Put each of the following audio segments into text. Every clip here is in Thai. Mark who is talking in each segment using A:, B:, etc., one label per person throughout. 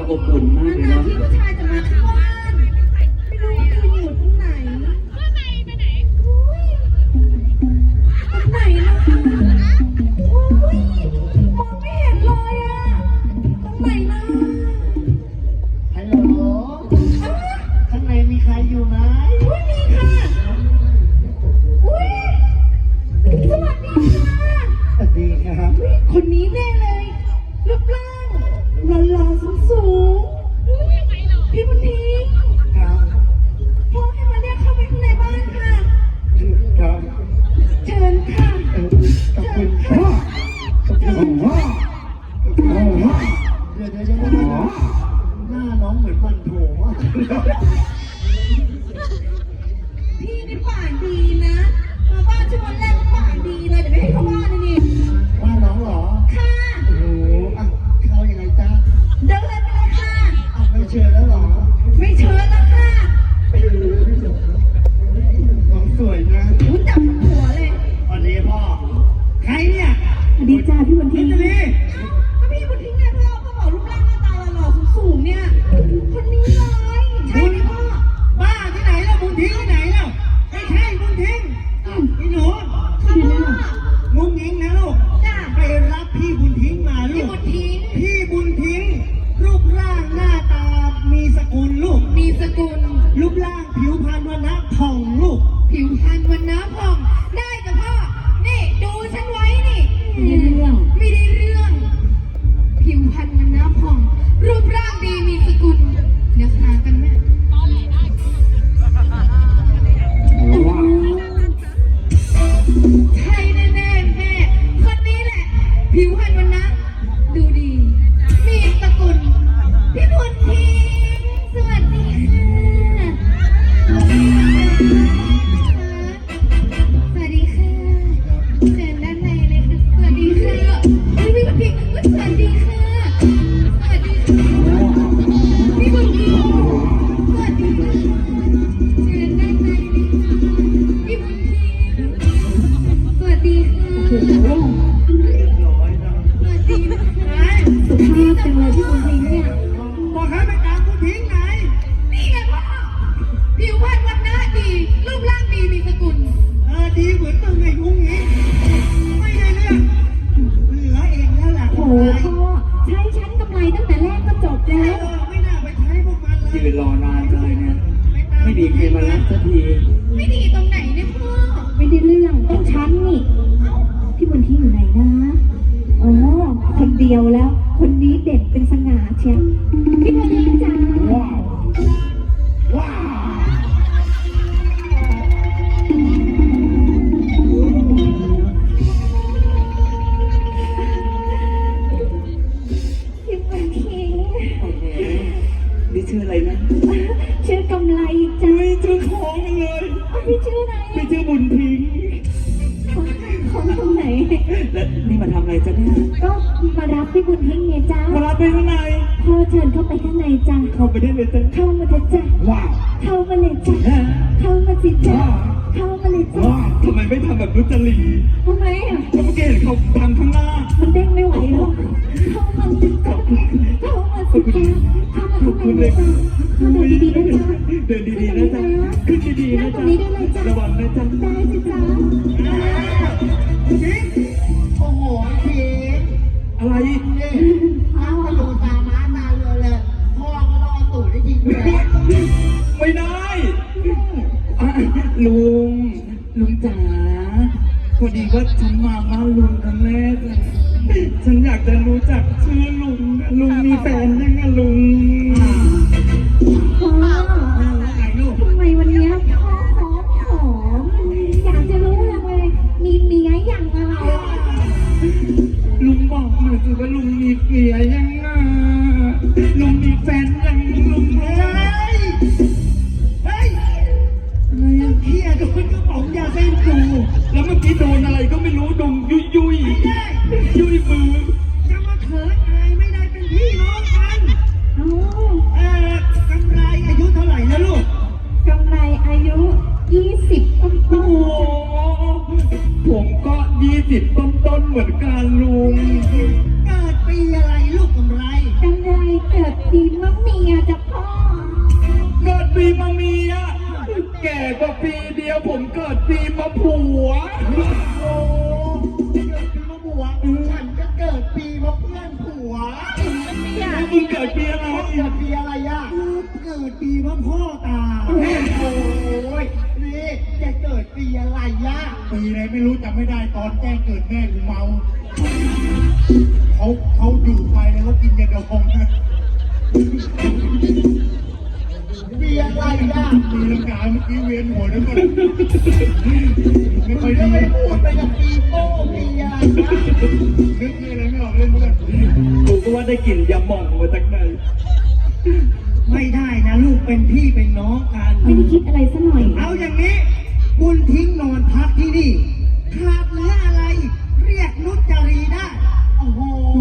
A: อบอุ่นมากเลย
B: นาน
A: เนาะ
B: ๆที่ผู้ชายจะมาที่บ้านไม่รู้ว่าคุณอยู่ตรงไหนอุ้ยตรงไหนล่ะอุ้ยมองไม่เห็นเลยอะตรงไหนล่ะ
C: ฮัลโหลข้างในมีใครอยู่ไหม
B: อุ้ยมีค่ะอุ้ยสวัสดีค่ะ
C: สวัสดีครับ
B: อุ๊ยคนนี้แน่เลยรูปร่างหล่อๆสูงๆพี่บุญทิ้ง
C: ครับ
B: พ่อให้มาเรียกเข้าไปข้างในบ้านค่ะ
C: ครับ
B: เชิญค่ะ
C: ขอบคุณพ่อขอบคุณพ่อเดี๋ยวหน้าน้องเหมือนมันโถมาก
B: พี่นี่ปากดีนะมาบ้านฉันวันแรกก็ปากดีเลยเดี๋ยวไม่ให้เข้าบ้านเลยนี่
C: ว่าน้องเหรอ
B: ค่ะ
C: โอ้โหอ่ะเข้ายังไงจ้า
B: เดินเลยไปเลยค่ะ
C: อ่ะไม่เชิญแล้วเหรอ
B: ไม่เชิญแล้วค่ะ
C: น้องสวยนะ
B: รู้จักหัวเลย
C: สวัสดีพ่อ ใครเนี่ย
B: ดีจ้าพี่บุญ
C: พิ
B: ทิ้ง
C: จารี
B: ก็พี่บุญทิ้งเนี่ยพ่อบอกรูปร่างหน้าตาหล่อๆสูงๆเนี่ยคนนี้เลยใช่ไหมพ่อ
C: บ้าที่ไหนแล้วบุญทิ้งที่ไหนแล้วไม่ใช่บุญทิ้งพี่หนู
B: ค่ะพ่อ
C: งุ้งงิ้งนะลูก
B: จ้า
C: ไปรับพี่บุญทิ้งมาลู
B: พี่
C: ก
B: บุญทิ้ง
C: พี่บุญทิ้ง รูปร่างหน้าตามีสกุลลูก
B: มีสกุล
C: รูปร่างผิวพรรณวันนะผ่องลูก
B: ผิวพรรณวันน้ำผ่องได้กับพ่อ นี่ดูฉันไว้นี่ ไม่ได้เรื่อง ผิวพรรณวันน้ำผ่อง รูปร่างดีมีสกุลเดี๋ยวหากันแม่ใช่แน่ๆแม่คนนี้แหละ ผิวพรรณวันน้ำดูดี มีสกุลพี่บุญทิ้งสวัสดีค่ะ สวัสดีค่ะเชิญด้านในเลยค่ะ สวัสดีค่ะพี่บุญทิ้งสวัสดีค่ะ สวัสดีค่ะพี่บุญทิ้งสวัสดีค่ะเชิญด้านในเลยค่ะพี่บุญทิ้งสวัสดีค่ะสวัสดีนะคะสุภาพจังเลยพี่บุญทิ้งเนี่ย
C: บอกให้ไปตามบุญทิ้งไหน
B: นี่ไงพ่อผิวพรรณวันหน้าดี รูปร่างดีมีสกุล
C: ดีเหมือนมึงไงงุ้งงิ้งไม่ได้เรื่องเหลือเองแล้วล่ะ
D: โอ้โหพ่อใช้ชั้นกำไรตั้งแต่แรกก็จบแล้ว
C: ไม่น่าไปใช้พวกมันเลย
A: ยืนรอนานเลยเนี่ย ไม่มีใครมารับสักที
B: ไม่ดีตรงไหนเนี่ยพ่อ
D: ไม่ได้เรื่องต้องชั้นนี่พี่บุญที่อยู่ไหนนะอ๋อคนเดียวแล้ว คนนี้เด่นเป็นสง่าเชียวพี่บุญที่จ้า
C: ว้าวว้าว
D: พี่บุญที่
A: นี่ชื่ออะไรนะ
D: ชื่อกำไรจ้า
A: ไม่ชื่อของมันเลย
D: พี่ชื่ออะไร
A: ไม่ชื่อบุญทิ้ง
D: ของตรงไหน
A: แล้วนี่มาทำอะไรจ๊ะเนี่ย
D: ก็มารับพี่บุญทิ้งไงจ้า
A: มารับไปข้างใน
D: พ่อเชิญเข้าไปข้างในจ้า
A: เข้าไปได้เลยจ๊ะ
D: เข้ามาเถอะจ้า
A: ว้าว
D: เข้ามาเลยจ้าเข้ามาสิจ้าเข้ามาเลยจ้า
A: ว้าวทำไมไม่ทำแบบนุจรี
D: ทำไมอ่ะ
A: ก็เมื่อกี้เห็นเขาทำข้างหน้า
D: มันเด้งไม่ไหวหรอกเข้ามาสิจ้าเข้ามาสิจ้าเข้ามา
A: ขอบคุณเลย
D: เข้ามาดีๆนะจ๊ะ
A: เดินดีๆนะจ๊ะขึ้นดีๆนะจ๊ะระวังนะจ๊ะ
D: ได้สิจ้า
C: ทิ้งโอ้โหทิ้ง
A: อะไร
C: นี่เอาไปดูตาม้าตาเรือเลยพ่อก็ต้องเอาตูดได้ยิงเลย
A: ไม่ได้อ่ะลุงจ๋าพอดีว่าฉันมาบ้านลุงครั้งแรกเลยฉันอยากจะรู้จักชื่อลุงนะลุงมีแฟนยังอะลุง
D: พ่อ
C: ไอ้ลูก
D: ทำไมวันนี้พ่อหอมอยากจะรู้จังเลยมีเมียอย่างอะไร
A: ลุงบอกหน่อยสิว่าลุงมีเมียยังอะลุงมีแฟนยังลุงเอ้ย
C: เฮ้ย
A: อะไรอะ
C: เฮียโดนกระป๋องยาเส้นกู
A: แล้วเมื่อกี้โดนอะไรก็ไม่รู้ดงยุยยุย
C: ไม่ได้
A: ยุยมือ
C: จะมาเขินอายไม่ได้เป็นพี่น้องกัน
D: เอ้าก
C: ำไรอายุเท่าไหร่แล้วลูก
D: กำไรอายุ20ต้น
A: โอ้โหผมก็20ต้นๆเหมือนกันลุง
C: เกิดปีอะไรลูกกำไร
D: กำไรเกิดปีปีมะเมียจ้ะพ่อ
A: เกิดปีมะเมียแก่กว่าปีเดียวผมเกิดปีมะผัว
C: โอ้เกิดปีมะบัวฉันก็เกิดปีมะเพื่อนผัว
A: แล้วมึงเกิดปีอะไร
C: เกิดปีอะไรอ่ะเกิดปีมะพ่อตาโอ้ยนี่จะเกิดปีอะไรอ่ะปีอะไรไม่รู้จำไม่ได้ตอนแจ้งเกิดแม่กูเมาเขาอยู่ไปแล้วเขากินยาดองนะปีอะไรอ่ะปีลังกาเมื่อกี้เวียนหัวแล้วก็ไม่ค่อยดีไม่พูดไปกับปีโป้ปีอะไรนะนึกอะไรไม่ออกเล่นเพื่อน
A: กูก็ว่าได้กลิ่นยาหม่องมาจากไหน
C: ไม่ได้นะลูกเป็นพี่เป็นน้องกัน
D: ไม่ได้คิดอะไรซะหน่อย
C: เอาอย่างนี้บุญทิ้งนอนพักที่นี่ขาดเหลืออะไร เรียกนุชจารีได้ โอ้โห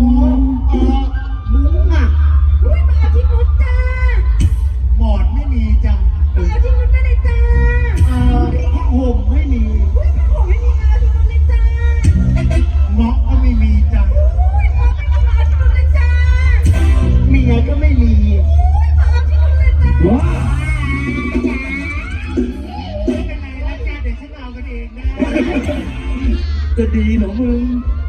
C: มุ้งอ่ะ
B: อุ้ยมาเอาที่นุชจ้า
C: หมอนไม่มีจ้ะ
B: มาเอาที่นุชได้เลยจ้า
C: ผ้าห่มไม่มี
B: อุ้ยพี่ผมไม่มีมาเอาที่นุชเลยจ้า
C: เงาะก็ไม่มีจ้ะ
B: อุ้ยมาไม่มีมาเอาที่นุชเลยจ้า
C: เมียก็ไม่มี
B: อุ้ยมาเอาที่นุชเลยจ้า
A: ว้า
C: ไม่เป็นไรนะจ๊ะเดี๋ยวฉันเอากันเองนะ
A: จะดีเหรอมึง
C: เ